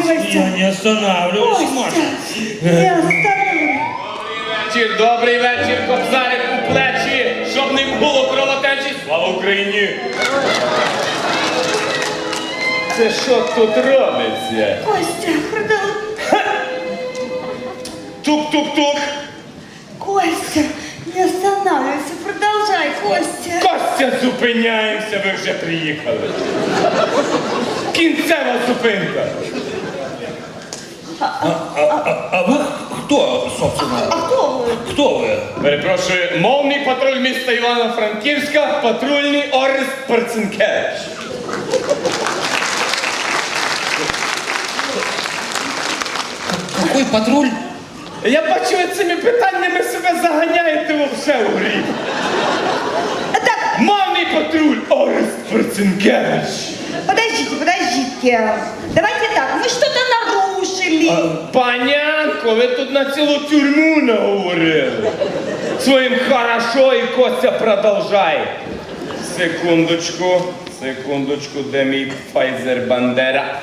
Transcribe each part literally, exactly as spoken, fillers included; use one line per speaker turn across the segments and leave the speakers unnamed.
Костя.
Я не останавливаюсь, Маша.
Костя, не остановлюсь.
Вечір, добрий вечір, кобзарик у плечі, щоб не було кровотечі. Слава Україні! Це що тут робиться?
Костя, продал...
Тук-тук-тук.
Костя, не останавливайся, продолжай, Костя.
Костя, зупиняємося, ви вже приїхали. Кінцева зупинка.
А, а, а, а вы кто, собственно?
А кто вы?
Кто вы?
Перепрошую, мовний патруль міста Івано-Франківська, патрульний Орест Перцинкевич.
Какой патруль?
Я бачу, ви цими питаннями себе заганяєте вовсе у гріх.
Так,
Мовний патруль Орест Перцинкевич.
подождите, подождите. Давайте так, вы что-то нарушили.
Панянко, ви тут на цілу тюрму наговорили. Своїм хорошо і Костя продовжай. Секундочку, секундочку, де мій Файзер Бандера?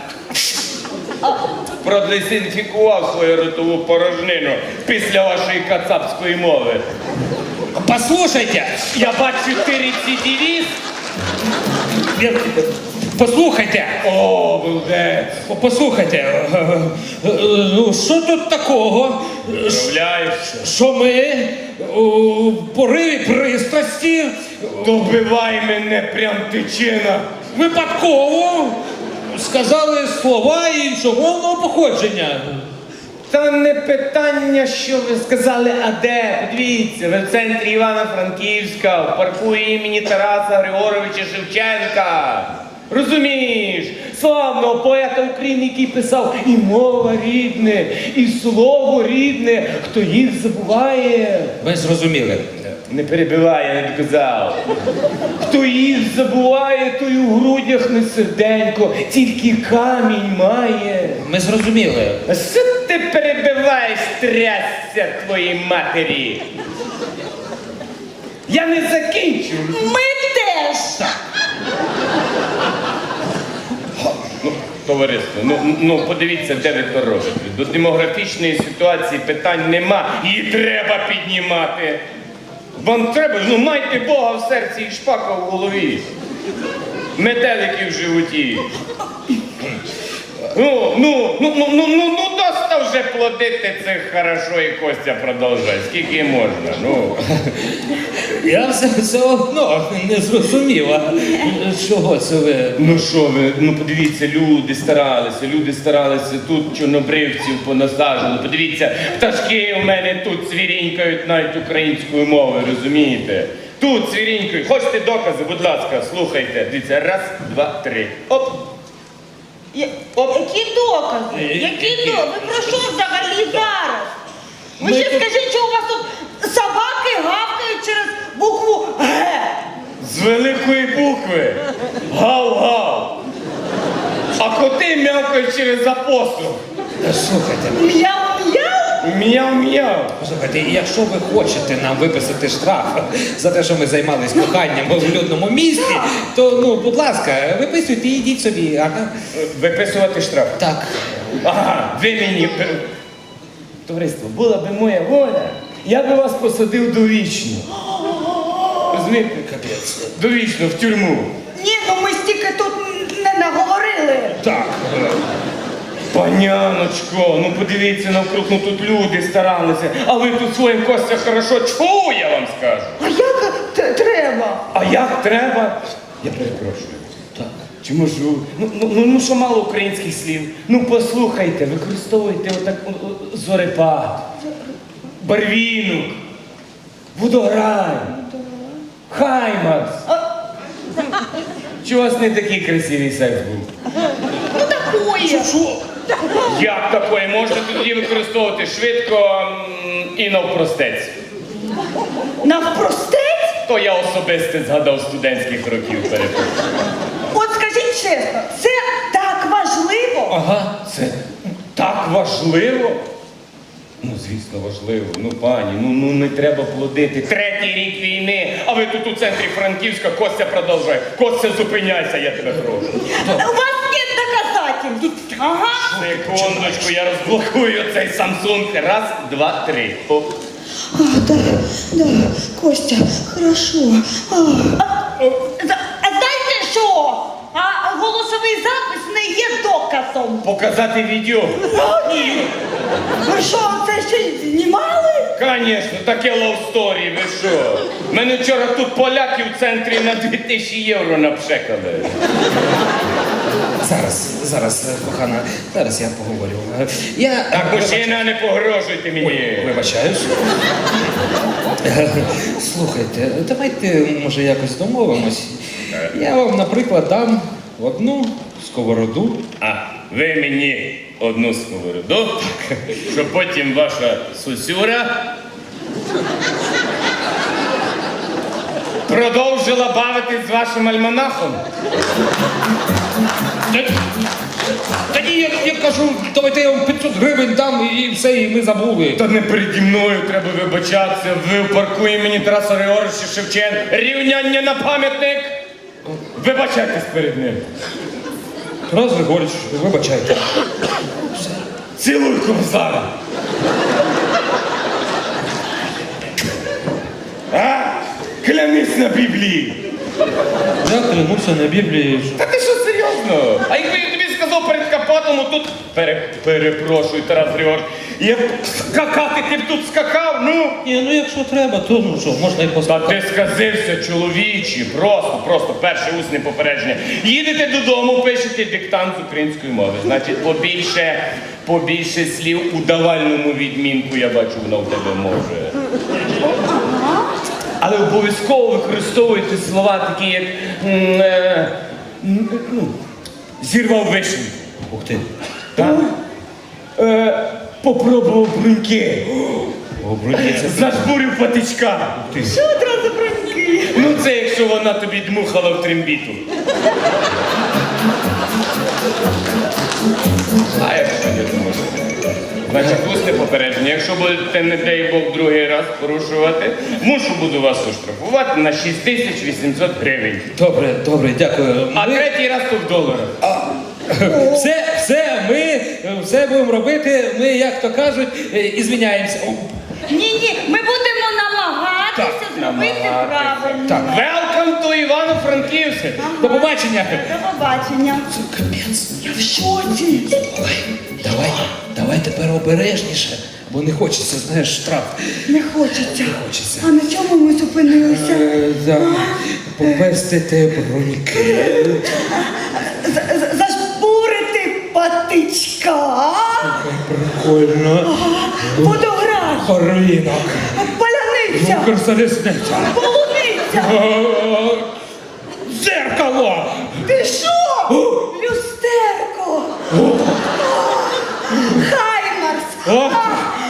Продезінфікував свою ротову порожнину після вашої кацапської мови.
Послушайте,
Я бачу, ти рецидивіст.
я- послухайте,
О, булдець.
послухайте, е, е, е, ну що тут такого,
Уявляєш?
що ми у пориві пристрасті
Добивай мене, прям тичина.
випадково сказали слова іншомовного походження.
Та не питання, що ви сказали, а де? Подивіться, ви в центрі Івано-Франківська, в парку імені Тараса Григоровича Шевченка. Розумієш, славного поета України, який писав і мова рідне, і слово рідне, хто їх забуває.
Ви зрозуміли.
Не перебивай, я не доказав. Хто їх забуває, той у грудях не серденько, тільки камінь має.
Ми зрозуміли.
А що ти перебиваєш, трясся твоїй матері? Я не закінчу.
Мы теж.
Ну, товариство, ну, ну подивіться, де ви то робите. До демографічної ситуації питань нема, її треба піднімати. Вам треба, ну майте Бога в серці і шпака в голові. Метелики в животі. Ну, ну, ну, ну, ну, ну, ну, доста вже плодити це хорошо і Костя продовжує. Скільки можна, ну.
Я все, все одно не зрозуміла, чого це ви.
Ну що ви, ну подивіться, люди старалися, люди старалися, тут чорнобривців понасаджували. Подивіться, пташки у мене тут цвірінькають навіть українською мовою, розумієте? Тут цвірінькають. Хочете докази, будь ласка, слухайте. Дивіться, раз, два, три. Оп.
Я- Які докази?
Е,
Які
які?
докази? Ви про що взагалі зараз? Ви
Ми
ще
тут-
скажіть, що у вас тут собаки гавкають через букву Г.
З великої букви. Гав-гав. А коти м'явкають через апостол.
Та слухайте,
Мяу-мяу?
М'яв-м'яв.
послухайте, якщо ви хочете нам виписати штраф за те, що ми займались коханням в людному місті, то, ну, будь ласка, виписуйте і йдіть собі, ага.
Виписувати штраф.
Так.
Ага, ви мені. Товариство, була би моя воля, я би вас посадив довічно. Розумієте?
Капець.
Довічно, в тюрму.
Ні, ну ми стільки тут не наговорили.
Так.
Паняночко, ну подивіться навкруг, ну тут люди старалися, а ви тут своїм Костя хорошо чу, я вам скажу.
А як т- треба?
А як треба? Я перепрошую.
Так.
Чи можу? Ну, ну, ну, ну що мало українських слів? Ну послухайте, використовуйте отак о, о, зорепад, барвінок, водограй, хаймарс. Чи у вас не такий красивий секс був?
Ну такое.
Що?
Як такої? Можна тоді використовувати швидко м, і навпростець.
Навпростець?
То я особисто згадав студентських років перепрошую.
От скажіть чесно, це так важливо?
Ага.
Це так важливо? Ну, звісно, важливо. Ну, пані, ну, ну не треба плодити. Третій рік війни, а ви тут у центрі Франківська, Костя продовжує. Костя, зупиняйся, я тебе прошу.
У вас нет доказательств. Ага.
Секундочку, я розблокую цей Samsung. Раз, два, три. Оп.
А, да, да, Костя, хорошо. А, а, за- а знаєте що? А голосовий запис не є доказом.
Показати відео?
Ні. Ви що, це ще й знімали?
Конечно, таке love story, ви що? Мене вчора тут поляки в центрі на дві тисячі євро напшекали.
Зараз, зараз, е, кохана, зараз я поговорю. Е, Я...
Так, мужчина, не погрожуйте мені.
Ой, вибачаюсь. Е, Слухайте, давайте, може, якось домовимось. Я вам, наприклад, дам одну сковороду.
А ви мені одну сковороду, щоб потім ваша сусюра продовжила бавитись з вашим альманахом.
Та- Тоді я, я кажу, давайте я вам п'ятсот гривень дам і все, і ми забули.
Та не переді мною треба вибачатися. Ви в парку імені Тараса Григоровича Шевченка. Рівняння на пам'ятник. Вибачайтесь перед ним.
Тарас Григорич, вибачайте.
Цілуй комсара. А? Клянись на Біблії.
Я клянуся на Біблії.
Та ти що, серйозно? А якби я тобі сказав перед капотом, тут... Пере, перепрошую, Тарас Григорович, я б скакати, ти б тут скакав, ну?
Ні, ну якщо треба, то ну що, можна і
Та
поставити.
ти сказився, чоловічі, просто, просто перше усне попередження. Їдете додому, пишете диктант з української мови. Значить, побільше, побільше слів у давальному відмінку, я бачу, воно в тебе може. Але обов'язково використовуйте слова такі, як м, е, м, ну, зірвав вишню.
Ух ти.
Так? Е, попробував бруньки.
Обрудіться.
Зажбурив патичка.
Що одразу броньки?
Ну це якщо вона тобі дмухала в трембіту. А якщо не зможете? Значить, усне попередження. Якщо будете, не дай Бог, другий раз порушувати, мушу буду вас оштрафувати на шість тисяч вісімсот гривень.
Добре, добре, дякую.
А
Ми-
третій раз то в доларах.
Все, все, ми е, все будемо робити. Ми, як то кажуть, е, і звіняємося. О,
Ні-ні, ми будемо намагатися
Так,
зробити
намагатися.
правильно.
Так.
Welcome to Івано-Франківськ.
Ага.
До побачення.
До побачення.
Капець.
Я в шоці.
Ой, давай, давай тепер обережніше, бо не хочеться, знаєш, штраф.
Не хочеться.
Хочеться.
А на чому ми зупинилися?
Е, да, попестити броньки.
З- з- Зажбурити патичка.
Прикольно.
Водограй.
Хорвінок.
Паляниця.
Укрзалізниця.
Полуниця.
О, дзеркало.
Ти що? Люстерко. Хаймарс.
О.
А,